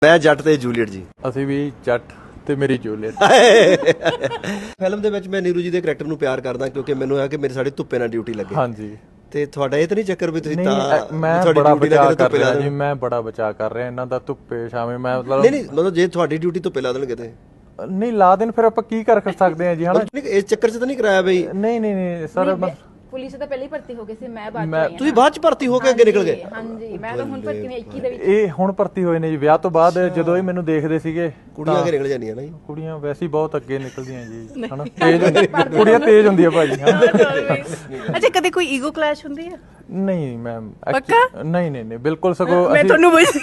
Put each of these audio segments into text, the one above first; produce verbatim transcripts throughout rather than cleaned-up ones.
ਮੈਂ ਜੱਟ ਤੇ ਜੂਲੀਅਟ ਜੀ। ਅਸੀਂ ਵੀ ਜੱਟ ਤੇ ਮੇਰੀ ਜੂਲੀਅਟ। ਫਿਲਮ ਦੇ ਵਿੱਚ ਮੈਂ ਨੀਰੂ ਜੀ ਦੇ ਕਰੈਕਟਰ ਨੂੰ ਪਿਆਰ ਕਰਦਾ ਕਿਉਂਕਿ ਮੈਨੂੰ ਹੈ ਕਿ ਮੇਰੇ ਸਾਡੇ ਧੁੱਪੇ ਨਾਲ ਡਿਊਟੀ ਲੱਗੇ। ਹਾਂਜੀ ਤੇ ਤੁਹਾਡਾ ਇਹ ਤਾਂ ਨਹੀਂ ਚੱਕਰ ਵੀ ਤੁਸੀਂ ਨਹੀਂ, ਤਾਂ ਮੈਂ ਤੁਹਾਡੀ ਬੜਾ ਡਿਊਟੀ ਬਚਾਅ ਲੱਗੇ ਕਰ ਧੁੱਪੇ ਲਾ ਰਿਹਾ ਜੀ, ਦੇਣ। ਮੈਂ ਬੜਾ ਬਚਾਅ ਕਰ ਰਿਹਾ ਇਹਨਾਂ ਦਾ ਧੁੱਪੇ ਛਾਵੇਂ। ਮੈਂ ਮਤਲਬ ਨਹੀਂ ਨਹੀਂ ਮਤਲਬ ਜੇ ਤੁਹਾਡੀ ਡਿਊਟੀ ਧੁੱਪੇ ਲਾ ਦੇਣਗੇ ਤੇ ਨਹੀਂ ਲਾ ਦੇਣ ਫਿਰ ਆਪਾਂ ਕੀ ਕਰ ਸਕਦੇ ਹਾਂ ਜੀ ਹਨਾ। ਨਹੀਂ ਇਸ ਚੱਕਰ 'ਚ ਤਾਂ ਨਹੀਂ ਕਰਾਇਆ ਬਈ? ਨਹੀਂ ਨਹੀਂ ਨਹੀਂ ਸਰ ਪੁਲਿਸ ਤਾਂ ਪਹਿਲਾਂ ਹੀ ਭਰਤੀ ਹੋ ਗਏ ਸੀ, ਮੈਂ ਬਾਅਦ ਚ ਮੈਂ- ਆਈ ਤੁਸੀਂ ਬਾਅਦ 'ਚ ਭਰਤੀ ਹੋ ਕੇ ਅੱਗੇ ਨਿਕਲ ਗਏ? ਹਾਂਜੀ, ਮੈਂ ਤਾਂ ਹੁਣ ਭਰਤੀ ਹੋਈ ਇੱਕੀ ਦੇ ਵਿੱਚ। ਇਹ ਹੁਣ ਭਰਤੀ ਹੋਏ ਨੇ ਜੀ ਵਿਆਹ ਤੋਂ ਬਾਅਦ। ਜਦੋਂ ਇਹ ਮੈਨੂੰ ਦੇਖਦੇ ਸੀਗੇ ਕੁੜੀਆਂ ਅੱਗੇ ਨਿਕਲ ਜਾਂਦੀਆਂ ਨਾ ਜੀ। ਕੁੜੀਆਂ ਵੈਸੇ ਹੀ ਬਹੁਤ ਅੱਗੇ ਨਿਕਲਦੀਆਂ ਜੀ ਹਨਾ। ਤੇਜ਼ ਕੁੜੀਆਂ ਤੇਜ਼ ਹੁੰਦੀਆਂ ਭਾਜੀ ਹਨਾ। ਅੱਛਾ ਕਦੇ ਕੋਈ ਈਗੋ ਕਲੈਸ਼ ਹੁੰਦੀ ਹੈ? ਨਹੀਂ ਮੈਮ ਪੱਕਾ? ਨਹੀਂ ਨਹੀਂ ਨਹੀਂ ਬਿਲਕੁਲ ਸਗੋਂ ਮੈਂ ਤੁਹਾਨੂੰ ਪੁੱਛ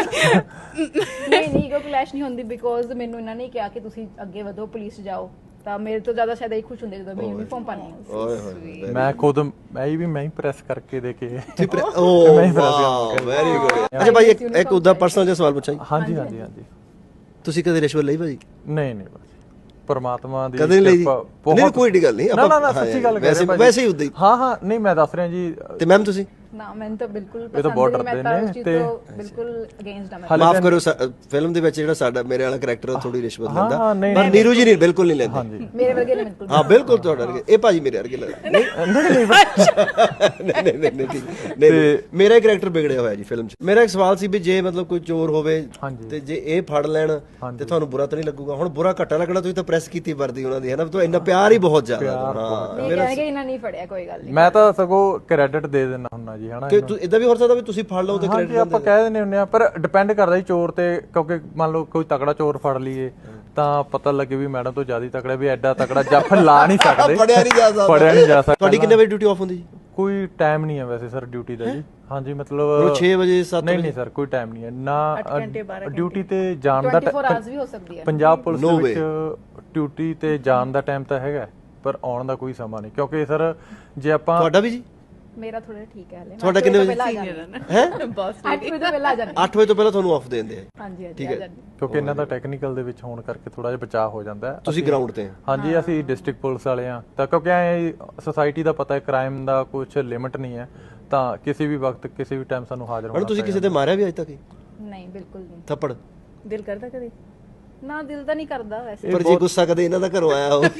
ਨਹੀਂ ਨਹੀਂ ਈਗੋ ਕਲੈਸ਼ ਨਹੀਂ ਹੁੰਦੀ ਬਿਕੋਜ਼ ਮੈਨੂੰ ਇਹਨਾਂ ਨੇ ਕਿਹਾ ਕਿ ਤੁਸੀਂ ਅੱਗੇ ਵਧੋ, ਪੁਲਿਸ 'ਚ ਜਾਓ, ਤਾਂ ਮੇਰੇ ਤੋਂ ਜ਼ਿਆਦਾ ਸ਼ਾਇਦ ਇਹ ਖੁਸ਼ ਹੁੰਦੇ ਜਦੋਂ ਮੈਂ ਯੂਨੀਫਾਰਮ ਪਾਣੀ ਹੈ। ਓਏ ਹੋਏ ਮੈਂ ਖੁਦ ਮੈਂ ਵੀ ਮੈਂ ਹੀ ਪ੍ਰੈਸ ਕਰਕੇ ਦੇ ਕੇ ਓ ਵਾਓ ਵੈਰੀ ਗੁੱਡ। ਅੱਛਾ ਭਾਈ ਇੱਕ ਇੱਕ ਉਹਦਾ ਪਰਸਨਲ ਜਿਹਾ ਸਵਾਲ ਪੁੱਛਾਂ ਜੀ। ਹਾਂਜੀ ਹਾਂਜੀ ਹਾਂਜੀ ਤੁਸੀਂ ਕਦੇ ਰਿਸ਼ਵਤ ਲਈ ਭਾਜੀ? ਨਹੀਂ ਨਹੀਂ ਭਾਜੀ ਪਰਮਾਤਮਾ ਦੀ ਕਦੇ ਨਹੀਂ ਲਈ ਜੀ? ਕਿਰਪਾ ਨਹੀਂ ਕੋਈ ਏਡੀ ਗੱਲ ਨਹੀਂ ਨਾ ਨਾ ਨਾ ਸੱਚੀ ਗੱਲ ਕਰ ਵੈਸੇ ਰਿਹਾ ਵੈਸੇ ਹੀ ਉਦਾਂ ਹੀ। ਹਾਂ ਹਾਂ ਨਹੀਂ ਮੈਂ ਦੱਸ ਰਿਹਾ ਜੀ। ਤੇ ਮੈਮ ਤੁਸੀਂ? ਨਾ ਮੈਨੂੰ ਤਾਂ ਬਿਲਕੁਲ ਇਹ ਤਾਂ ਬਹੁਤ ਡਰਦੇ ਨੇ ਤੇ ਬਿਲਕੁਲ ਅਗੇਂਸਟ ਆ ਮੈਂ। ਮਾਫ ਕਰੋ ਫਿਲਮ ਦੇ ਵਿੱਚ ਜਿਹੜਾ ਸਾਡਾ ਮੇਰੇ ਵਾਲਾ ਕਰੈਕਟਰ ਥੋੜੀ ਰਿਸ਼ਵਤ ਲੈਂਦਾ ਹਾਂ, ਨਹੀਂ, ਪਰ ਨੀਰੂ ਜੀ ਨਹੀਂ ਬਿਲਕੁਲ ਨਹੀਂ ਲੈਂਦੇ। ਹਾਂਜੀ ਮੇਰੇ ਵਰਗੇ ਨੇ ਬਿਲਕੁਲ। ਹਾਂ ਬਿਲਕੁਲ ਤੁਹਾਡਾ ਵਰਗੇ। ਇਹ ਭਾਜੀ ਮੇਰੇ ਵਰਗੇ ਲੱਗਦੇ ਨਹੀਂ ਨਹੀਂ ਨਹੀਂ ਨਹੀਂ ਨਹੀਂ ਨਹੀਂ ਠੀਕ ਨਹੀਂ ਨਹੀਂ। ਮੇਰਾ ਹੀ ਕਰੈਕਟਰ ਵਿਗੜਿਆ ਹੋਇਆ ਜੀ ਫਿਲਮ 'ਚ। ਮੇਰਾ ਇੱਕ ਸਵਾਲ ਸੀ ਵੀ ਜੇ ਮਤਲਬ ਕੋਈ ਚੋਰ ਹੋਵੇ ਤੇ ਜੇ ਇਹ ਫੜ ਲੈਣ ਤੇ ਤੁਹਾਨੂੰ ਬੁਰਾ ਤਾਂ ਨਹੀਂ ਲੱਗੂਗਾ? ਹੁਣ ਬੁਰਾ ਘੱਟਾ ਲੱਗਣਾ, ਤੁਸੀਂ ਤਾਂ ਪ੍ਰੈਸ ਕੀਤੀ ਵਰਦੀ ਉਹਨਾਂ ਦੀ ਹੈ ਨਾ, ਤਾਂ ਇੰਨਾ ਪਿਆਰ ਹੀ ਬਹੁਤ ਜ਼ਿਆਦਾ। ਹਾਂ ਇਹ ਕਹਿਣਗੇ ਇਹਨਾਂ ਨਹੀਂ ਫੜਿਆ, ਕੋਈ ਗੱਲ ਨਹੀਂ। ਮੈਂ ਤਾਂ ਸਗੋਂ ਕ੍ਰੈਡਿਟ ਦੇ ਦਿੰਦਾ ਹੁੰਨਾ ਜੀ ਹਨਾ। ਕਿ ਇਦਾਂ ਵੀ ਹੋ ਸਕਦਾ ਵੀ ਤੁਸੀਂ ਫੜ ਲਓ ਤੇ ਹਾਂਜੀ ਆਪਾਂ ਕਹਿ ਦਿੰਦੇ ਹੁੰਦੇ ਆ ਪਰ ਡਿਪੈਂਡ ਕਰਦਾ ਜੀ ਚੋਰ ਤੇ। ਕਿਉਂਕਿ ਮੰਨ ਲਓ ਕੋਈ ਤਕੜਾ ਚੋਰ ਫੜ ਲਈਏ ਤਾਂ ਪਤਾ ਲੱਗੇ ਵੀ ਮੈਡਮ ਤੋਂ ਜ਼ਿਆਦਾ ਤਕੜਾ, ਵੀ ਐਡਾ ਤਕੜਾ ਜੱਫ ਲਾ ਨਹੀਂ ਸਕਦੇ, ਫੜਿਆ ਨਹੀਂ ਜਾ ਸਕਦਾ। ਫੜਿਆ ਨਹੀਂ ਜਾ ਸਕਦਾ। ਤੁਹਾਡੀ ਕਿੰਨੇ ਵਜੇ ਡਿਊਟੀ ਆਫ ਹੁੰਦੀ ਜੀ? ਕੋਈ ਟਾਈਮ ਨਹੀਂ ਹੈ ਵੈਸੇ ਸਰ ਡਿਊਟੀ ਦਾ ਜੀ। ਹਾਂਜੀ ਮਤਲਬ ਛੇ ਵਜੇ ਸੱਤ ਨਹੀਂ ਨਹੀਂ ਸਰ ਕੋਈ ਟਾਈਮ ਨਹੀਂ ਹੈ ਨਾ। ਡਿਊਟੀ ਤੇ ਜਾਣ ਦਾ ਚੌਵੀ ਆਵਰਸ ਵੀ ਹੋ ਸਕਦੀ ਹੈ ਪੰਜਾਬ ਪੁਲਿਸ ਦੇ ਵਿੱਚ। ਡਿਊਟੀ ਤੇ ਜਾਣ ਦਾ ਟਾਈਮ ਤਾਂ ਹੈਗਾ ਪਰ ਆਉਣ ਦਾ ਕੋਈ ਸਮਾਂ ਨਹੀਂ। ਕਿਉਂਕਿ ਸਰ ਜੇ ਆਪਾਂ ਤੁਹਾਡਾ ਵੀ ਜੀ? ਮੇਰਾ ਥੋੜਾ ਠੀਕ ਹੈ ਹਲੇ। ਤੁਹਾਡਾ ਕਿੰਨੇ ਵਜੇ? ਹੈ ਬਸ ਅੱਠ ਵਜੇ ਤੋਂ ਪਹਿਲਾਂ ਆ ਜਾਂਦੇ। ਅੱਠ ਵਜੇ ਤੋਂ ਪਹਿਲਾਂ ਤੁਹਾਨੂੰ ਆਫ ਦੇ ਦਿੰਦੇ ਆ? ਹਾਂਜੀ ਹਾਂਜੀ ਠੀਕ ਹੈ ਕਿਉਂਕਿ ਇਹਨਾਂ ਦਾ ਟੈਕਨੀਕਲ ਦੇ ਵਿੱਚ ਹੋਣ ਕਰਕੇ ਥੋੜਾ ਜਿਹਾ ਬਚਾਅ ਹੋ ਜਾਂਦਾ ਹੈ। ਤੁਸੀਂ ਗਰਾਊਂਡ ਤੇ? ਹਾਂਜੀ ਅਸੀਂ ਡਿਸਟ੍ਰਿਕਟ ਪੁਲਿਸ ਵਾਲੇ ਆ ਤਾਂ ਕਿਉਂਕਿ ਐ ਸੋਸਾਇਟੀ ਦਾ ਪਤਾ ਹੈ ਕ੍ਰਾਈਮ ਦਾ ਕੁਝ ਲਿਮਿਟ ਨਹੀਂ ਹੈ ਤਾਂ ਕਿਸੇ ਵੀ ਵਕਤ ਕਿਸੇ ਵੀ ਟਾਈਮ ਸਾਨੂੰ ਹਾਜ਼ਰ ਹੋਣਾ। ਤੁਸੀਂ ਕਿਸੇ ਤੇ ਮਾਰਿਆ ਵੀ ਅੱਜ ਤੱਕ? ਨਹੀਂ ਬਿਲਕੁਲ ਨਹੀਂ। ਥੱਪੜ ਦਿਲ ਕਰਦਾ ਕਦੇ? ਨਾ ਦਿਲ ਤਾਂ ਨਹੀਂ ਕਰਦਾ ਵੈਸੇ। ਪਰ ਜੇ ਗੁੱਸਾ ਕਦੇ ਇਹਨਾਂ ਦਾ ਘਰੋਂ ਆਇਆ ਹੋਵੇ?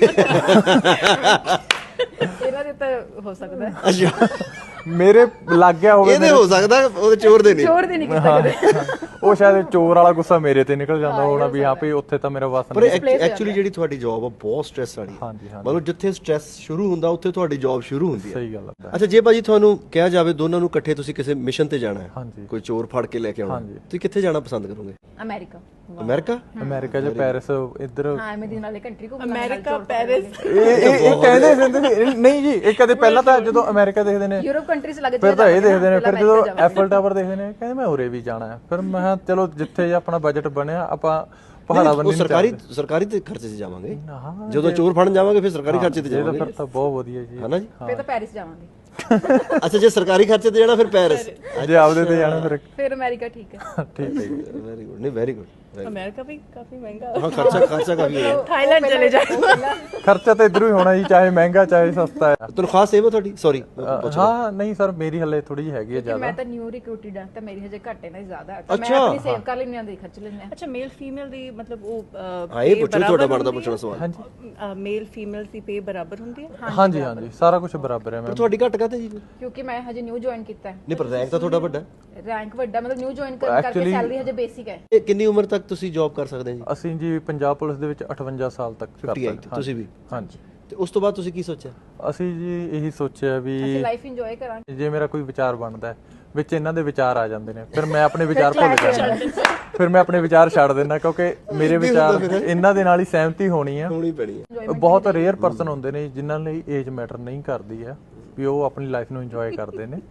ਇਹਨਾਂ ਦੇ ਤਾਂ ਹੋ ਸਕਦਾ ਹੈ। ਅੱਛਾ ਮੇਰੇ ਲੱਗ ਗਿਆ ਹੋਵੇ। ਇਹਦੇ ਹੋ ਸਕਦਾ, ਉਹਦੇ ਚੋਰ ਦੇ ਨਹੀਂ। ਚੋਰ ਦੇ ਨਹੀਂ ਕੀਤਾ ਕਦੇ। ਉਹ ਸ਼ਾਇਦ ਚੋਰ ਵਾਲਾ ਗੁੱਸਾ ਮੇਰੇ ਤੇ ਨਿਕਲ ਜਾਂਦਾ ਹੋਣਾ ਵੀ ਹਾਂ ਵੀ ਉੱਥੇ ਤਾਂ ਮੇਰਾ ਵਸ ਪਰ ਨਹੀਂ। ਐਕਚੁਅਲੀ ਜਿਹੜੀ ਤੁਹਾਡੀ ਜੌਬ ਆ ਬਹੁਤ ਸਟ੍ਰੈਸ ਵਾਲੀ ਹੈ। ਹਾਂਜੀ ਹਾਂਜੀ ਮਤਲਬ ਜਿੱਥੇ ਸਟ੍ਰੈਸ ਸ਼ੁਰੂ ਹੁੰਦਾ ਉੱਥੇ ਤੁਹਾਡੀ ਜੌਬ ਸ਼ੁਰੂ ਹੁੰਦੀ ਹੈ। ਸਹੀ ਗੱਲ ਹੈ। ਅੱਛਾ ਜੇ ਭਾਜੀ ਤੁਹਾਨੂੰ ਕਿਹਾ ਜਾਵੇ ਦੋਨਾਂ ਨੂੰ ਇਕੱਠੇ ਤੁਸੀਂ ਕਿਸੇ ਮਿਸ਼ਨ ਤੇ ਜਾਣਾ ਹੈ, ਹਾਂਜੀ ਕੋਈ ਚੋਰ ਫੜ ਕੇ ਲੈ ਕੇ ਆਉਣਾ, ਤੁਸੀਂ ਕਿੱਥੇ ਜਾਣਾ ਪਸੰਦ ਕਰੋਗੇ? ਅਮਰੀਕਾ। ਅਮਰੀਕਾ? ਅਮਰੀਕਾ ਜਾਂ ਪੈਰਿਸ ਇੱਧਰ? ਹਾਂ ਮੈਂ ਦਿਨ ਵਾਲੇ ਕੰਟਰੀ ਘੁੰਮਣਾ। America, Paris. ਇਹ ਇਹ ਕਹਿੰਦੇ ਹੁੰਦੇ ਨੇ ਨਹੀਂ ਜੀ। ਇਹ ਕਦੇ ਪਹਿਲਾਂ ਤਾਂ ਜਦੋਂ ਅਮਰੀਕਾ ਦੇਖਦੇ ਨੇ ਯੂਰਪ ਕੰਟਰੀਜ਼ ਲੱਗ ਫਿਰ ਤਾਂ ਇਹ ਦੇਖਦੇ ਨੇ, ਫਿਰ ਜਦੋਂ ਐਫਲ ਟਾਵਰ ਦੇਖਦੇ ਨੇ ਕਹਿੰਦੇ ਮੈਂ ਉਰੇ ਵੀ ਜਾਣਾ ਹੈ। ਫਿਰ ਮੈਂ ਕਿਹਾ ਚਲੋ ਜਿੱਥੇ ਆਪਣਾ ਬਜਟ ਬਣਿਆ ਆਪਾਂ ਪਹਾੜਾ ਬੰਨੀ ਸਰਕਾਰੀ ਸਰਕਾਰੀ ਤੇ ਖਰਚੇ 'ਚ ਜਾਵਾਂਗੇ। ਜਦੋਂ ਚੋਰ ਫੜਨ ਜਾਵਾਂਗੇ ਫਿਰ ਸਰਕਾਰੀ ਖਰਚੇ ਤੇ ਜਾਵਾਂਗੇ। ਫਿਰ ਤਾਂ ਬਹੁਤ ਵਧੀਆ ਜੀ ਹਨਾ ਜੀ? ਫਿਰ ਤਾਂ ਪੈਰਿਸ ਜਾਵਾਂਗੇ। ਅੱਛਾ ਜੇ ਸਰਕਾਰੀ ਖਰਚੇ ਤੇ ਜਾਣਾ ਫਿਰ ਪੈਰਿਸ, ਜੇ ਆਪਦੇ ਤੇ ਜਾਣਾ ਫਿਰ ਫਿਰ ਅਮਰੀਕਾ। ਠੀਕ ਹੈ ਠੀਕ ਹੈ। Very good. ਨਹੀਂ ਵੈਰੀ ਗੁੱਡ। ਅਮਰੀਕਾ ਵੀ ਕਾਫੀ ਮਹਿੰਗਾ। ਹਾਂ ਖਰਚਾ ਖਰਚਾ ਕਾਫੀ ਹੈ। ਥਾਈਲੈਂਡ ਚਲੇ ਜਾਓ। ਖਰਚਾ ਤਾਂ ਇਧਰੋਂ ਹੀ ਹੋਣਾ ਜੀ, ਚਾਹੇ ਮਹਿੰਗਾ ਚਾਹੇ ਸਸਤਾ ਹੈ। ਤਨਖਾਹ ਸੇਵ ਹੈ ਤੁਹਾਡੀ? ਸੌਰੀ ਹਾਂ ਨਹੀਂ ਸਰ ਮੇਰੀ ਹਲੇ ਥੋੜੀ ਜਿਹੀ ਹੈਗੀ ਹੈ ਜ਼ਿਆਦਾ। ਮੈਂ ਤਾਂ ਨਿਊ ਰਿਕਰੂਟਡ ਆ ਤਾਂ ਮੇਰੀ ਹਜੇ ਘੱਟ ਹੈ ਨਾ ਜ਼ਿਆਦਾ ਹੈ। ਮੈਂ ਆਪਣੀ ਸੇਵ ਕਰ ਲੈਣੀ ਆਂਦੀ ਖਰਚ ਲੈਣੇ ਆ। ਅੱਛਾ ਮੇਲ ਫੀਮੇਲ ਦੀ ਮਤਲਬ ਉਹ ਹਾਂ ਇਹ ਪੁੱਛੋ ਤੁਹਾਡਾ ਬਣਦਾ ਪੁੱਛਣਾ ਸਵਾਲ। ਹਾਂਜੀ ਮੇਲ ਫੀਮੇਲ ਦੀ ਪੇ ਬਰਾਬਰ ਹੁੰਦੀ ਹੈ? ਹਾਂਜੀ ਹਾਂਜੀ ਸਾਰਾ ਕੁਝ ਬਰਾਬਰ ਹੈ। ਮੈਂ ਤੁਹਾਡੀ ਘੱਟ ਕਾਤੇ ਜੀ? ਕਿਉਂਕਿ ਮੈਂ ਹਜੇ ਨਿਊ ਜੁਆਇਨ ਕੀਤਾ ਹੈ। ਨਹੀਂ ਪਰ ਰੈਂਕ ਤਾਂ ਤੁਹਾਡਾ ਵੱਡਾ। ਰੈਂਕ ਵੱਡਾ ਮਤਲਬ ਨਿਊ ਜੁਆਇਨ ਕਰਕੇ ਸੈਲਰੀ ਹਜੇ ਬੇਸਿਕ ਹੈ। ਇਹ ਕਿੰਨੀ ਉਮਰ ਤੱਕ ਤੁਸੀਂ ਜੌਬ ਕਰ ਸਕਦੇ ਜੀ? ਅਸੀਂ ਜੀ ਪੰਜਾਬ ਪੁਲਿਸ ਦੇ ਵਿੱਚ ਅਠਵੰਜਾ ਸਾਲ ਤੱਕ ਕਰ ਸਕਦੇ ਹਾਂ। ਤੁਸੀਂ ਵੀ? ਹਾਂਜੀ। ਤੇ ਉਸ ਤੋਂ ਬਾਅਦ ਤੁਸੀਂ ਕੀ ਸੋਚਿਆ? ਅਸੀਂ ਜੀ ਇਹੀ ਸੋਚਿਆ ਵੀ ਅਸੀਂ ਲਾਈਫ ਇੰਜੋਏ ਕਰਾਂਗੇ। ਜੇ ਮੇਰਾ ਕੋਈ ਵਿਚਾਰ ਬਣਦਾ ਹੈ ਵਿੱਚ ਇਹਨਾਂ ਦੇ ਵਿਚਾਰ ਆ ਜਾਂਦੇ ਨੇ ਫਿਰ ਮੈਂ ਆਪਣੇ ਵਿਚਾਰ ਭੁੱਲ ਜਾਂਦਾ, ਫਿਰ ਮੈਂ ਆਪਣੇ ਵਿਚਾਰ ਛੱਡ ਦਿੰਦਾ ਕਿਉਂਕਿ ਮੇਰੇ ਵਿਚਾਰ ਇਹਨਾਂ ਦੇ ਨਾਲ ਹੀ ਸਹਿਮਤੀ ਹੋਣੀ ਆ। ਹੋਣੀ ਪੈਣੀ ਹੈ। ਬਹੁਤ ਰੇਅਰ ਪਰਸਨ ਹੁੰਦੇ ਨੇ ਜਿਨ੍ਹਾਂ ਲਈ ਏਜ ਮੈਟਰ ਨਹੀਂ ਕਰਦੀ ਹੈ, ਵੀ ਉਹ ਆਪਣੀ ਲਾਈਫ ਨੂੰ ਇੰਜੋਏ ਕਰਦੇ ਨੇ।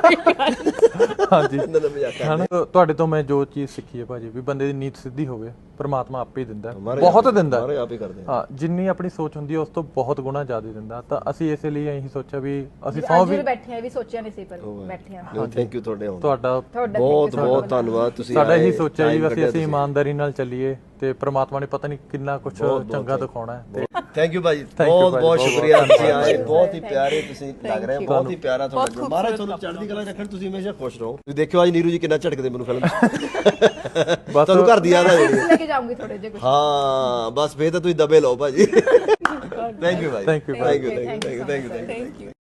ਹਾਂਜੀ ਤੁਹਾਡੇ ਤੋਂ ਮੈਂ ਜੋ ਚੀਜ਼ ਸਿੱਖੀ ਹੈ ਭਾਜੀ ਵੀ ਬੰਦੇ ਦੀ ਨੀਤ ਸਿੱਧੀ ਹੋਵੇ ਪ੍ਰਮਾਤਮਾ ਆਪੇ ਹੀ ਦਿੰਦਾ ਹੈ, ਮਹਾਰਾਜ ਬਹੁਤ ਆਪ- ਦਿੰਦਾ ਹੈ। ਮਹਾਰਾਜ ਆਪ ਹੀ ਕਰਦੇ ਆ। ਹਾਂ, ਜਿੰਨੀ ਆਪਣੀ ਸੋਚ ਹੁੰਦੀ ਹੈ ਉਸ ਤੋਂ ਬਹੁਤ ਗੁਣਾ ਜ਼ਿਆਦਾ ਦਿੰਦਾ। ਤਾਂ ਅਸੀਂ ਇਸੇ ਲਈ ਇਹੀ ਸੋਚਿਆ ਵੀ ਅਸੀਂ ਸੌ ਅੱਜ ਵੀ ਵੀ ਬੈਠੇ ਆ ਵੀ ਸੋਚਿਆ ਨਹੀਂ ਸੀ ਪਰ ਬੈਠੇ ਆ ਨਹੀਂ ਥੈਂਕ ਯੂ ਤੁਹਾਡੇ ਆਉਣ ਦਾ। ਤੁਹਾਡਾ ਤੁਹਾਡਾ ਬਹੁਤ ਬਹੁਤ ਧੰਨਵਾਦ ਤੁਸੀਂ ਸਾਡਾ ਆਏ, ਇਹੀ ਸੋਚਿਆ ਜੀ time ਵੀ ਅਸੀਂ ਕੱਢਿਆ ਅਸੀਂ ਤੁਸੀਂ। ਇਮਾਨਦਾਰੀ ਨਾਲ ਚੱਲੀਏ ਤੇ ਪ੍ਰਮਾਤਮਾ ਨੇ ਪਤਾ ਨਹੀਂ ਕਿੰਨਾ ਕੁਝ ਚੰਗਾ ਦਿਖਾਉਣਾ ਹੈ। ਤੇ ਥੈਂਕ ਯੂ ਭਾਜੀ, you ਬਹੁਤ ਭਾਜੀ, ਬਹੁਤ ਬਹੁਤ ਸ਼ੁਕਰੀਆ ਬਹੁਤ ਤੁਸੀਂ ਆਏ, ਬਹੁਤ ਹੀ ਪਿਆਰੇ ਤੁਸੀਂ ਲੱਗ ਰਹੇ ਹੋ, ਬਹੁਤ ਹੀ ਪਿਆਰਾ ਤੁਹਾਡਾ ਬਹੁਤ ਜੋ ਮਹਾਰਾਜ ਤੁਹਾਨੂੰ ਚੜ੍ਹਦੀ ਕਲਾ ਰੱਖਣ, ਤੁਸੀਂ ਹਮੇਸ਼ਾ ਖੁਸ਼ ਰਹੋ। ਤੁਸੀਂ ਦੇਖਿਓ ਅੱਜ ਨੀਰੂ ਜੀ ਕਿੰਨਾ ਝਟਕਦੇ ਮੈਨੂੰ ਫਿਲਮ 'ਚ ਬਸ ਤੁਹਾਨੂੰ ਘਰ ਦੀ ਯਾਦ ਆ ਜਾਣੀ ਹੈ। ਲੈ ਕੇ ਜਾਊਂਗੀ ਥੋੜੇ ਜਿਹਾ ਕੁਝ ਹਾਂ ਬਸ ਫੇਰ ਤਾਂ ਤੁਸੀਂ ਦਬੇ ਲਓ ਭਾਜੀ। ਥੈਂਕ ਯੂ ਭਾਜੀ, Thank you, thank you thank you thank you thank you